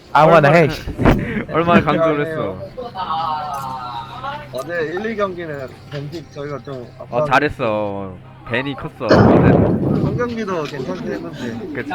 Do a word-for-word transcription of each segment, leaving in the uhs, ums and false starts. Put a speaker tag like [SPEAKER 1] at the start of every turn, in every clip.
[SPEAKER 1] 아무거나 해.
[SPEAKER 2] 얼마나 강조를 했어.
[SPEAKER 3] 어제 일, 이 경기는 벤틱 저희가 좀
[SPEAKER 2] 어
[SPEAKER 3] 아빠
[SPEAKER 2] 잘했어. 벤이 컸어. 어제는.
[SPEAKER 3] 한 경기도 괜찮게 했는데
[SPEAKER 2] 그치.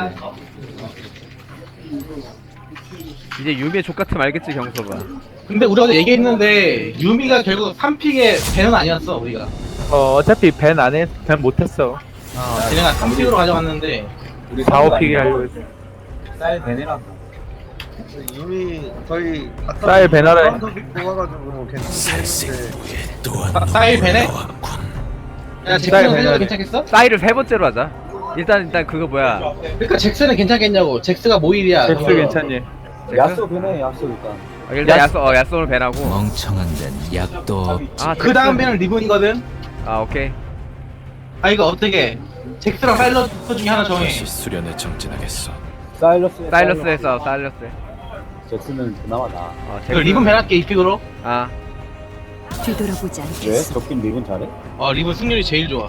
[SPEAKER 2] 이제 유미의 족같음 알겠지 경서가.
[SPEAKER 4] 근데 우리가 어제 얘기했는데 유미가 결국 삼 픽의 벤은 아니었어 우리가.
[SPEAKER 1] 어, 어차피 밴 안에 밴 못했어.
[SPEAKER 4] 어, 쟤네가 삼 픽으로 가져갔는데
[SPEAKER 5] 우리
[SPEAKER 1] 사, 오 픽이 하려고 했어.
[SPEAKER 5] 쌀 베네랑
[SPEAKER 3] 이미 저희 아까
[SPEAKER 1] 쌀 배나라 해.
[SPEAKER 3] 뽑아가지고 괜찮게 했는데
[SPEAKER 4] 사- 사일 벤에? 야
[SPEAKER 1] 사일
[SPEAKER 4] 잭슨은
[SPEAKER 1] 벤에.
[SPEAKER 4] 해도 괜찮겠어?
[SPEAKER 2] 사이를 세 번째로 하자. 일단 일단 그거 뭐야.
[SPEAKER 4] 그러니까 잭슨은 괜찮겠냐고. 잭스가 모일이야.
[SPEAKER 1] 잭스
[SPEAKER 4] 그거.
[SPEAKER 1] 괜찮니?
[SPEAKER 5] 야쏘 베네 야쏘 일단
[SPEAKER 2] 어, 일단 야쏘 어 야쏘를 벤하고.
[SPEAKER 6] 멍청한 데는 약도 없.
[SPEAKER 2] 아
[SPEAKER 4] 그 다음
[SPEAKER 2] 잭슨.
[SPEAKER 4] 벤은 리본이거든.
[SPEAKER 2] 아 오케이.
[SPEAKER 4] 아 이거 어떻게? 잭스랑 사일러스 중에 하나 정해.
[SPEAKER 6] 다시 수련에 정진하겠어.
[SPEAKER 5] 사일러스
[SPEAKER 2] 사일러스에서 사일러스.
[SPEAKER 5] 잭슨은 그나마 나
[SPEAKER 2] 어
[SPEAKER 4] 그 리본 벤 할게 이 픽으로.
[SPEAKER 2] 아
[SPEAKER 7] 뒤돌아보지
[SPEAKER 5] 왜?
[SPEAKER 7] 않겠어.
[SPEAKER 5] 적긴 리본 잘해?
[SPEAKER 4] 어 리본 승률이 제일 좋아.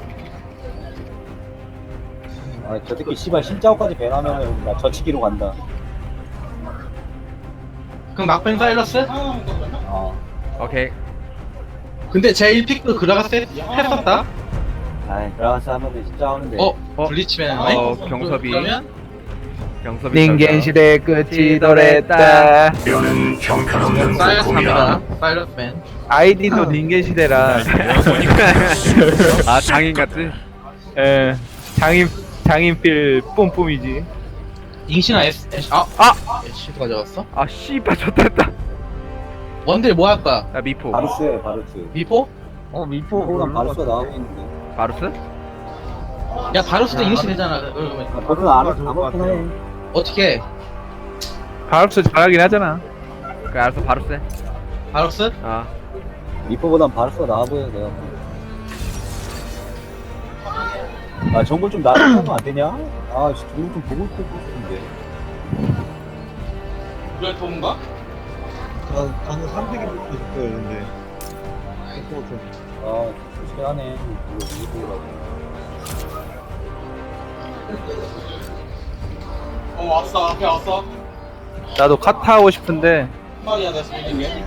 [SPEAKER 5] 아저 새끼 씨발 신짜오까지 배나면은 나 저치기로 간다
[SPEAKER 4] 그럼 막벤 사일러스?
[SPEAKER 5] 아
[SPEAKER 2] 오케이.
[SPEAKER 4] 근데 제 일 픽도 그라가스 했었다.
[SPEAKER 5] 아이 그라가스 하면은 진짜 하는데
[SPEAKER 4] 어?
[SPEAKER 2] 어?
[SPEAKER 4] 블리치 벤
[SPEAKER 2] 어,
[SPEAKER 4] 하네?
[SPEAKER 2] 경섭이.
[SPEAKER 4] 그러면
[SPEAKER 2] 경섭이.
[SPEAKER 1] 닌겐 시대 끝이 도래했다.
[SPEAKER 4] 사일러스 갑니다. 사일러스 벤.
[SPEAKER 1] 아이디도 닌겐 시대라.
[SPEAKER 2] 아 장인 같지?
[SPEAKER 1] 예. 장인 장인필 뿜뿜이지.
[SPEAKER 4] 잉시나 S S 아!
[SPEAKER 2] 아!
[SPEAKER 4] S도 가져갔어?
[SPEAKER 2] 아 씨발 좋됐다.
[SPEAKER 4] 원딜 뭐 할까?
[SPEAKER 2] 야 미포.
[SPEAKER 5] 바루스에 바루스
[SPEAKER 4] 미포?
[SPEAKER 3] 어 미포
[SPEAKER 5] 호랑
[SPEAKER 3] 별로
[SPEAKER 5] 바루스가
[SPEAKER 3] 같아.
[SPEAKER 5] 나오고 있는데
[SPEAKER 2] 바루스?
[SPEAKER 4] 야 바루스도 잉시 되잖아. 그러면
[SPEAKER 5] 아, 바루스는 안 아무렇긴 해
[SPEAKER 4] 어떻게 해?
[SPEAKER 1] 바룩스 잘하긴 하잖아.
[SPEAKER 2] 그 알았어 바루스.
[SPEAKER 4] 바루스?
[SPEAKER 2] 아
[SPEAKER 5] 리포보단 바루스가 나아 보여 내가 아 정글 좀 나아지면 안 되냐? 아 씨, 정글 좀 보고 있고 싶은데
[SPEAKER 4] 그래 도문가?
[SPEAKER 3] 저 저는 삼 픽이 뽑고 싶어요 근데 미포 좀
[SPEAKER 5] 아 솔직히 하네 이거 리포라고
[SPEAKER 4] 어 왔어 앞에 왔어.
[SPEAKER 1] 나도 카타 하고 싶은데
[SPEAKER 4] 빨리야 내가 숨긴 게.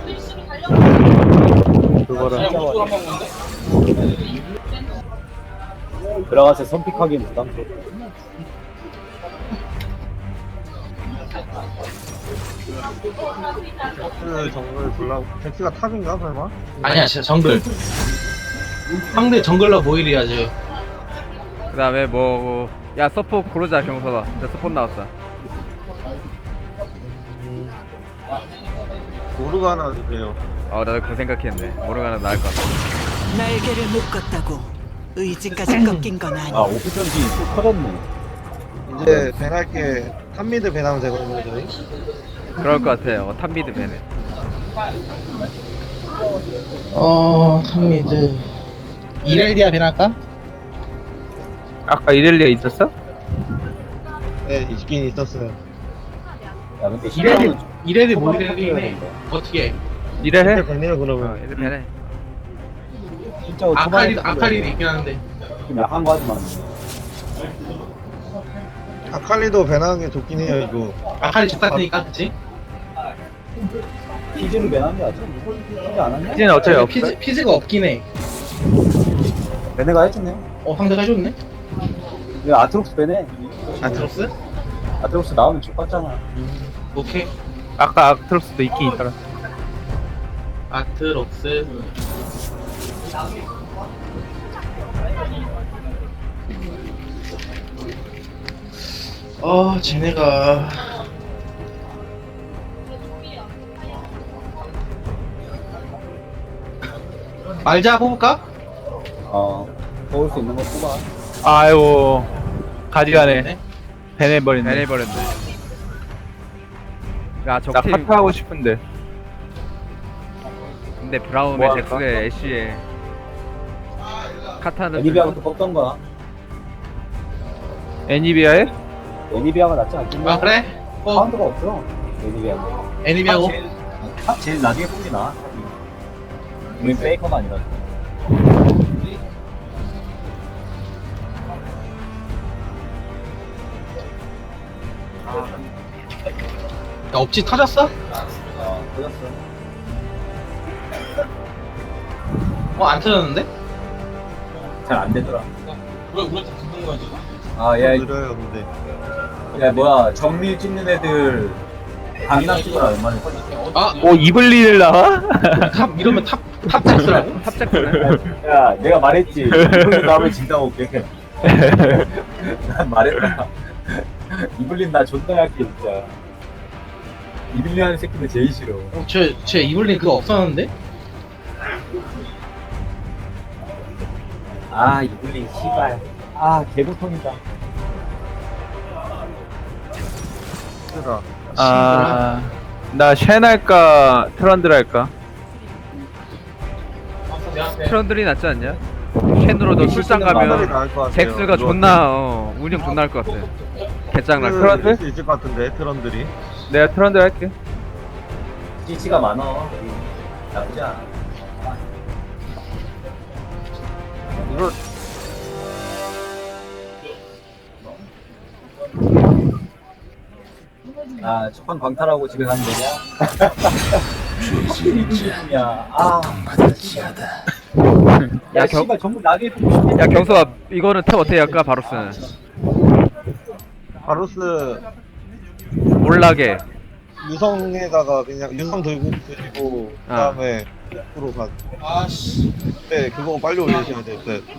[SPEAKER 1] 그거랑
[SPEAKER 4] 그냥 목줄 한번 본데?
[SPEAKER 5] 들어가서 선픽하기엔 부담스럽고
[SPEAKER 3] 잭스 정글 골라 잭스가 탑인가 설마?
[SPEAKER 4] 아니야 진짜 정글. 상대 정글러 모일이야 지금.
[SPEAKER 2] 그다음에 뭐. 야 서포 고르자 경서가. 나 서포 나왔어.
[SPEAKER 3] 모르가나 주세요.
[SPEAKER 2] 어 나도 그 생각했네. 모르가나 나을 것 같아.
[SPEAKER 7] 날개를 묶었다고 의지까지 꺾인 건
[SPEAKER 5] 아
[SPEAKER 7] 아니야.
[SPEAKER 5] 오피전지 또 터졌네
[SPEAKER 3] 이제 벤할게 탑미드 벤하면 되거든요 저희.
[SPEAKER 2] 그럴 것 같아요. 탑미드 벤에.
[SPEAKER 4] 어 탑미드. 이렐디아 벤할까?
[SPEAKER 1] 아까 이렐리아 있었어?
[SPEAKER 3] 네 있긴 있었어요.
[SPEAKER 5] 야 근데
[SPEAKER 4] 이렐디
[SPEAKER 5] 시간은
[SPEAKER 4] 이렐디
[SPEAKER 5] 좀
[SPEAKER 4] 모일이긴 해.
[SPEAKER 5] 된다.
[SPEAKER 4] 어떻게?
[SPEAKER 1] 이래 해?
[SPEAKER 3] 벤이요
[SPEAKER 2] 어
[SPEAKER 3] 그러면.
[SPEAKER 2] 이제 벤에.
[SPEAKER 5] 진짜
[SPEAKER 4] 아칼리도 아칼리도 있긴 한데.
[SPEAKER 5] 좀 약한 거 하지만
[SPEAKER 3] 아칼리도 벤하는 게 좋긴 해요 이거.
[SPEAKER 4] 아칼리 족 같으니까 그치?
[SPEAKER 5] 피즈는 맨한 게 아직 피즈 안 왔냐?
[SPEAKER 1] 이제는 어차피 없어.
[SPEAKER 4] 피즈 피즈가 없긴 해.
[SPEAKER 5] 베네가 해줬네
[SPEAKER 4] 어 상대가 해줬네.
[SPEAKER 5] 왜 아트록스 베네
[SPEAKER 4] 아트로스?
[SPEAKER 5] 아트록스 나오면 죽봤잖아
[SPEAKER 4] 오케이.
[SPEAKER 1] 아까 아트록스도 있긴 있더라.
[SPEAKER 4] 아트록스. 어 쟤네가 말자 뽑을까?
[SPEAKER 5] 어 뽑을 수 있는 거 뽑아
[SPEAKER 1] 아이고 가지가네. 벤해버렸네.
[SPEAKER 2] 벤 해버렸네. 야
[SPEAKER 1] 나
[SPEAKER 2] 적팀.
[SPEAKER 1] 카타 하고 싶은데.
[SPEAKER 2] 근데 브라움에
[SPEAKER 1] 뭐 할까?
[SPEAKER 2] 잭스에 애쉬에. 카타는.
[SPEAKER 5] 애니비아부터 뽑던가
[SPEAKER 1] 애니비아에?
[SPEAKER 5] 애니비아가 낫지 않겠냐?
[SPEAKER 4] 아 그래? 어
[SPEAKER 5] 카운터가 없어 애니비아
[SPEAKER 4] 애니비하고
[SPEAKER 5] 탑 제일 나중에 뽑지 나 우린 페이커가 아니라
[SPEAKER 4] 업지 터졌어?
[SPEAKER 5] 어, 터졌어.
[SPEAKER 4] 어, 안 터졌는데?
[SPEAKER 5] 잘 안 되더라.
[SPEAKER 4] 왜 우리한테 붙는 거야, 지금?
[SPEAKER 5] 아, 야,
[SPEAKER 3] 느려요 근데.
[SPEAKER 5] 야, 뭐야, 정밀 찍는 애들 강남 찍어라, 얼마나 터졌어.
[SPEAKER 4] 아,
[SPEAKER 1] 오 이블린을 나와?
[SPEAKER 4] 탑, 이러면 탑, 탑잭스라고?
[SPEAKER 2] 탑재코네.
[SPEAKER 5] 야, 내가 말했지. 이블린 나오면 진다고 올게. 난 말했다. 이블린 나 존나 약해, 진짜. 이블린 하는 새끼는 제일 싫어.
[SPEAKER 4] 어, 쟤, 쟤 이블린 그거 없었는데?
[SPEAKER 5] 아, 이블린, 씨발. 아, 개고통이다.
[SPEAKER 3] 힘들어.
[SPEAKER 1] 아나 쉔 할까 트런들 할까?
[SPEAKER 2] 트런들이 낫지 않냐? 캔으로 너 출장 가면 잭스가 존나 어 운영 존나 할 것 같아. 개짱날 것 같아.
[SPEAKER 1] 트런들?
[SPEAKER 3] 수 있을 것 같은데 트런들이.
[SPEAKER 1] 내가 트런들 할게.
[SPEAKER 5] 씨씨가 많어. 나쁘지 않아.
[SPEAKER 3] 이거
[SPEAKER 5] 아, 첫판 광탈하고 집에 가면 되냐? 이블린이야. 아,
[SPEAKER 6] 고통받을 지어다.
[SPEAKER 5] 야,
[SPEAKER 2] 야, 경-
[SPEAKER 5] 씨발 전부 나게 보고 싶네.
[SPEAKER 2] 야 경수아 이거는 탭 어떻게 할까 바로스는?
[SPEAKER 3] 바루스
[SPEAKER 2] 몰락에
[SPEAKER 3] 유성에다가 그냥 유성 들고 그리고
[SPEAKER 2] 아.
[SPEAKER 3] 그다음에 으로 가. 아씨. 네, 그거 빨리 올리셔야 될 듯.